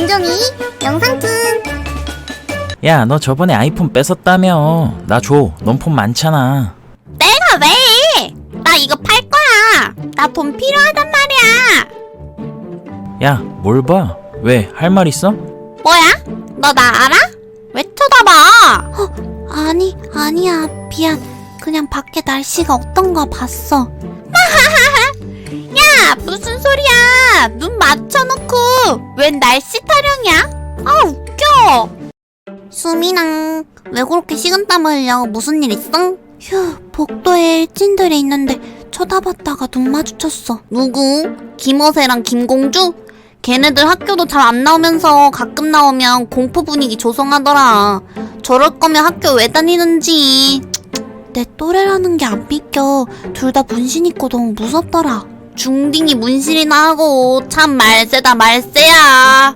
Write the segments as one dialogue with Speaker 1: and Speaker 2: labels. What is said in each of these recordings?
Speaker 1: 김종이 영상툰.
Speaker 2: 야, 너 저번에 아이폰 뺏었다며. 나 줘. 넌 폰 많잖아.
Speaker 1: 내가 왜? 나 이거 팔 거야. 나 돈 필요하단 말이야.
Speaker 2: 야, 뭘 봐? 왜? 할 말 있어?
Speaker 1: 뭐야? 너 나 알아? 왜 쳐다봐? 아니야. 미안. 그냥 밖에 날씨가 어떤가 봤어. 야, 무슨 소리야? 눈 맞춰놓고 웬 날씨 타령이야? 아, 웃겨. 수민아, 왜 그렇게 식은땀 흘려? 무슨 일 있어? 휴, 복도에 일진들이 있는데 쳐다봤다가 눈 마주쳤어. 누구? 김어세랑 김공주? 걔네들 학교도 잘 안 나오면서 가끔 나오면 공포 분위기 조성하더라. 저럴 거면 학교 왜 다니는지. 내 또래라는 게 안 믿겨. 둘 다 문신 있고 너무 무섭더라. 중딩이 문신이나 하고 참 말세다 말세야.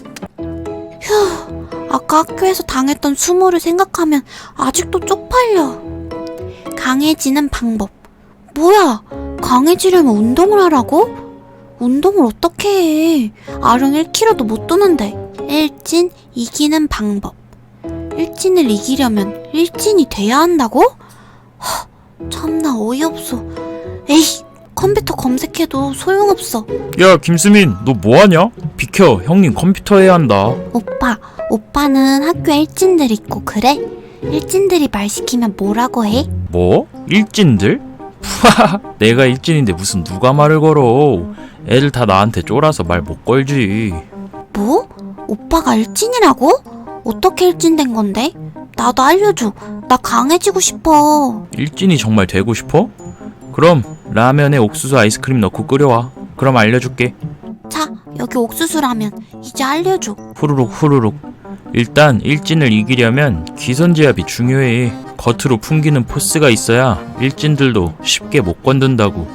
Speaker 1: 휴, 아까 학교에서 당했던 수모를 생각하면 아직도 쪽팔려. 강해지는 방법. 뭐야, 강해지려면 운동을 하라고? 운동을 어떻게 해? 아령 1kg도 못 도는데. 일진 이기는 방법. 일진을 이기려면 일진이 돼야 한다고? 참나 어이없어. 에이, 컴퓨터 검색해도 소용없어.
Speaker 2: 야, 김수민, 너 뭐하냐? 비켜, 형님 컴퓨터 해야 한다.
Speaker 1: 오빠는 학교에 일진들 있고 그래? 일진들이 말 시키면 뭐라고 해?
Speaker 2: 뭐? 일진들? 푸하하, 내가 일진인데 무슨 누가 말을 걸어. 애들 다 나한테 쫄아서 말 못 걸지.
Speaker 1: 뭐? 오빠가 일진이라고? 어떻게 일진 된 건데? 나도 알려줘. 나 강해지고 싶어.
Speaker 2: 일진이 정말 되고 싶어? 그럼 라면에 옥수수 아이스크림 넣고 끓여와. 그럼 알려줄게.
Speaker 1: 자, 여기 옥수수라면 이제 알려줘.
Speaker 2: 후루룩. 일단 일진을 이기려면 기선제압이 중요해. 겉으로 풍기는 포스가 있어야 일진들도 쉽게 못 건든다고.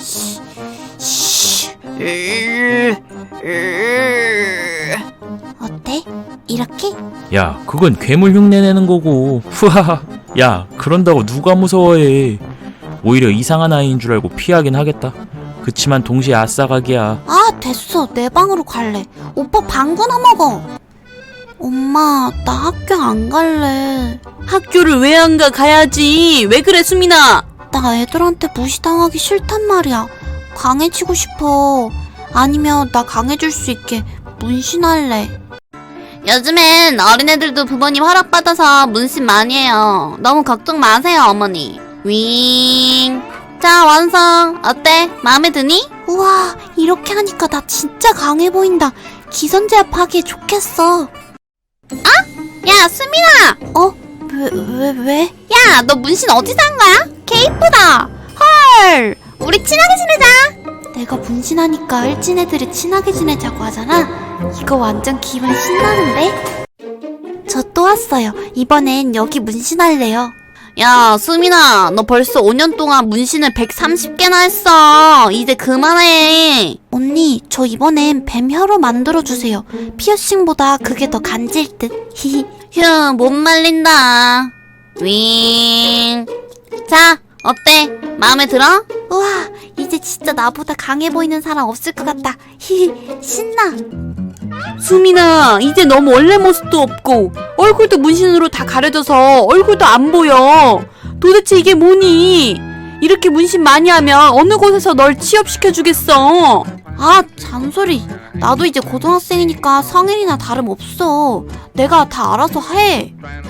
Speaker 1: 어때? 이렇게?
Speaker 2: 야, 그건 괴물 흉내 내는 거고. 후하하. 야, 그런다고 누가 무서워해. 오히려 이상한 아이인 줄 알고 피하긴 하겠다. 그치만 동시에 아싸각이야.
Speaker 1: 아, 됐어. 내 방으로 갈래. 오빠 방구나 먹어. 엄마, 나 학교 안 갈래.
Speaker 3: 학교를 왜 안 가? 가야지. 왜 그래, 수민아?
Speaker 1: 나 애들한테 무시당하기 싫단 말이야. 강해지고 싶어. 아니면 나 강해질 수 있게 문신할래. 요즘엔 어린애들도 부모님 허락받아서 문신 많이 해요. 너무 걱정 마세요, 어머니. 윙. 자, 완성. 어때? 마음에 드니? 우와, 이렇게 하니까 나 진짜 강해 보인다. 기선제압 하기에 좋겠어. 야, 수민아! 왜? 야, 너 문신 어디서 한 거야? 개 이쁘다. 헐, 우리 친하게 지내자. 내가 문신하니까 일진 애들이 친하게 지내자고 하잖아. 이거 완전 기분 신나는데? 저 또 왔어요. 이번엔 여기 문신할래요. 야, 수민아, 너 벌써 5년 동안 문신을 130개나 했어. 이제 그만해. 언니, 저 이번엔 뱀 혀로 만들어주세요. 피어싱보다 그게 더 간질 듯. 히히. 휴, 못 말린다. 윙. 자, 어때? 마음에 들어? 우와, 이제 진짜 나보다 강해 보이는 사람 없을 것 같다. 히히, 신나.
Speaker 3: 수민아, 이제 너무 원래 모습도 없고 얼굴도 문신으로 다 가려져서 얼굴도 안 보여. 도대체 이게 뭐니? 이렇게 문신 많이 하면 어느 곳에서 널 취업시켜주겠어.
Speaker 1: 아, 잔소리. 나도 이제 고등학생이니까 성인이나 다름없어. 내가 다 알아서 해.